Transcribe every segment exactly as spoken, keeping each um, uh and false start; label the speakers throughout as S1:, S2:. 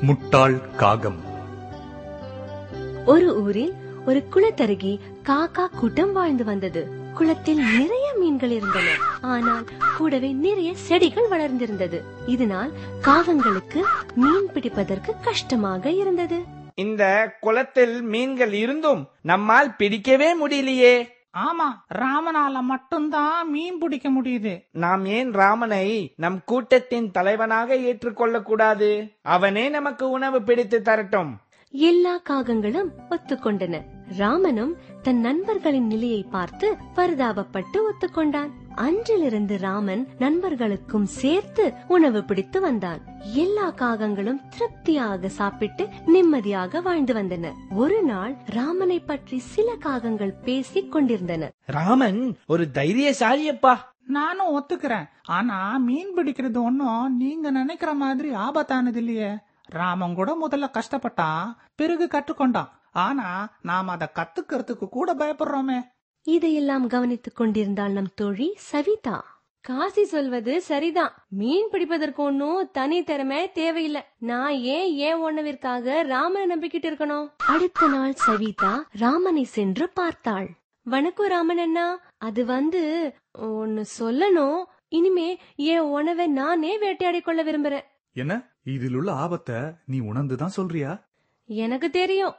S1: முட்டாள் காகம்.
S2: ஒரு ஊரில் ஒரு குளத்தருகே காக்கா கூட்டம் வாழ்ந்து வந்தது. குளத்தில் நிறைய மீன்கள் இருந்தன, ஆனால் கூடவே நிறைய செடிகள் வளர்ந்திருந்தது. இதனால் காகங்களுக்கு மீன் பிடிப்பதற்கு கஷ்டமாக இருந்தது.
S3: இந்த குளத்தில் மீன்கள் இருந்தும் நம்மால் பிடிக்கவே முடியலையே.
S4: ஆமா, ராமனால மட்டும்தான் மீன் பிடிக்க முடியுது.
S3: நாம் ஏன் ராமனை நம் கூட்டத்தின் தலைவனாக ஏற்றுக்கொள்ள கூடாது? அவனே நமக்கு உணவு பிடித்து தரட்டும்.
S2: எல்லா காகங்களும் ஒத்துக்கொண்டன. ராமனும் தன் நண்பர்களின் நிலையை பார்த்து பரிதாபப்பட்டு ஒத்துக்கொண்டான். அன்றிலிருந்து ராமன் நண்பர்களுக்கும் சேர்த்து உணவு பிடித்து வந்தான். எல்லா காகங்களும் திருப்தியாக சாப்பிட்டு நிம்மதியாக வாழ்ந்து வந்தன. ஒரு நாள் ராமனை பற்றி சில காகங்கள் பேசிக் கொண்டிருந்தன.
S3: ராமன் ஒரு தைரியசாலியப்பா.
S4: நானும் ஒத்துக்கிறேன். ஆனா மீன் பிடிக்கிறது ஒன்னும் நீங்க நினைக்கிற மாதிரி ஆபத்தானது இல்லையே. ராமன் கூட முதல்ல கஷ்டப்பட்டான், பிறகு கற்றுக்கொண்டான். ஆனா நாம் அதை கத்துக்கிறதுக்கு கூட பயப்படுறோமே.
S2: இதையெல்லாம் கவனித்துக் கொண்டிருந்தாள் நம் தோழி சவிதா. காசி சொல்வது சரிதான். மீன் பிடிப்பதற்கு ஒன்னும் தனி திறமை தேவையில்லை. நான் ஏன் ஏன் உணவிற்காக ராமனை நம்பிக்கிட்டு இருக்கணும்? அடுத்த நாள் சவிதா ராமனை சென்று பார்த்தாள். வணக்கம் ராமன் அண்ணா, அது வந்து ஒன்னு சொல்லணும். இனிமே என் உணவை நானே வேட்டையாடி கொள்ள விரும்புறேன்.
S1: என்ன, இதில் உள்ள ஆபத்தை நீ உணர்ந்துதான் சொல்றியா?
S2: எனக்கு தெரியும்.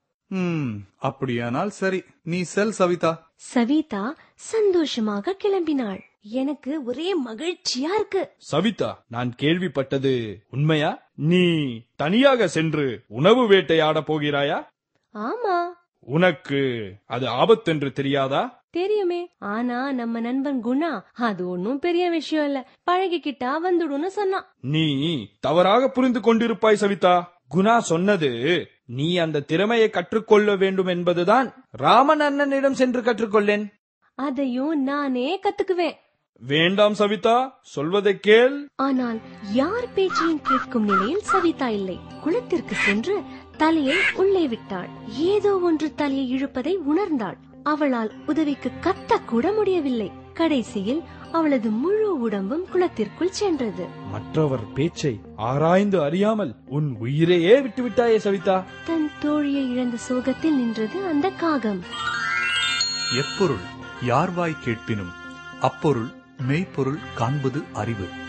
S1: ம் அப்படியானால் சரி, நீ செல் சவிதா.
S2: சவிதா சந்தோஷமாக கிளம்பினாள். எனக்கு ஒரே மகிழ்ச்சியா இருக்கு.
S5: சவிதா, நான் கேள்விப்பட்டது உண்மையா? நீ தனியாக சென்று உணவு வேட்டையாட போகிறாயா?
S2: ஆமா.
S5: உனக்கு அது ஆபத்தென்று தெரியாதா?
S2: தெரியுமே. ஆனா நம்ம நண்பன் குணா அது ஒன்னும் பெரிய விஷயம் இல்ல, பழகிக்கிட்டா வந்துடும்னு சொன்னான்.
S5: நீ தவறாக புரிந்து கொண்டிருப்பாய் சவிதா. குணா சொன்னது நீ அந்த திறமையை கற்றுக்கொள்ள வேண்டும் என்பதுதான். ராமன் அண்ணனிடம் சென்று கற்றுக்கொள்ளேன்.
S2: அதையும் நானே கத்துக்குவேன்.
S5: வேண்டாம் சவிதா, சொல்வதை கேள்.
S2: ஆனால் யார் பேச்சையும் கேட்கும் நிலையில் சவிதா இல்லை. குளத்திற்கு சென்று தலையை உள்ளே விட்டாள். ஏதோ ஒன்று தலையை இழுப்பதை உணர்ந்தாள். அவளால் உதவிக்கு கத்த கூட முடியவில்லை. கடைசியில் அவளது முழு உடம்பும் குளத்திற்குள் சென்றது.
S5: மற்றவர் பேச்சை ஆராய்ந்து அறியாமல் உன் உயிரையே விட்டுவிட்டாயே சவிதா.
S2: தன் தோழியை இழந்த சோகத்தில் நின்றது அந்த காகம்.
S1: எப்பொருள் யார்வாய் கேட்பினும் அப்பொருள் மெய்ப்பொருள் காண்பது அறிவு.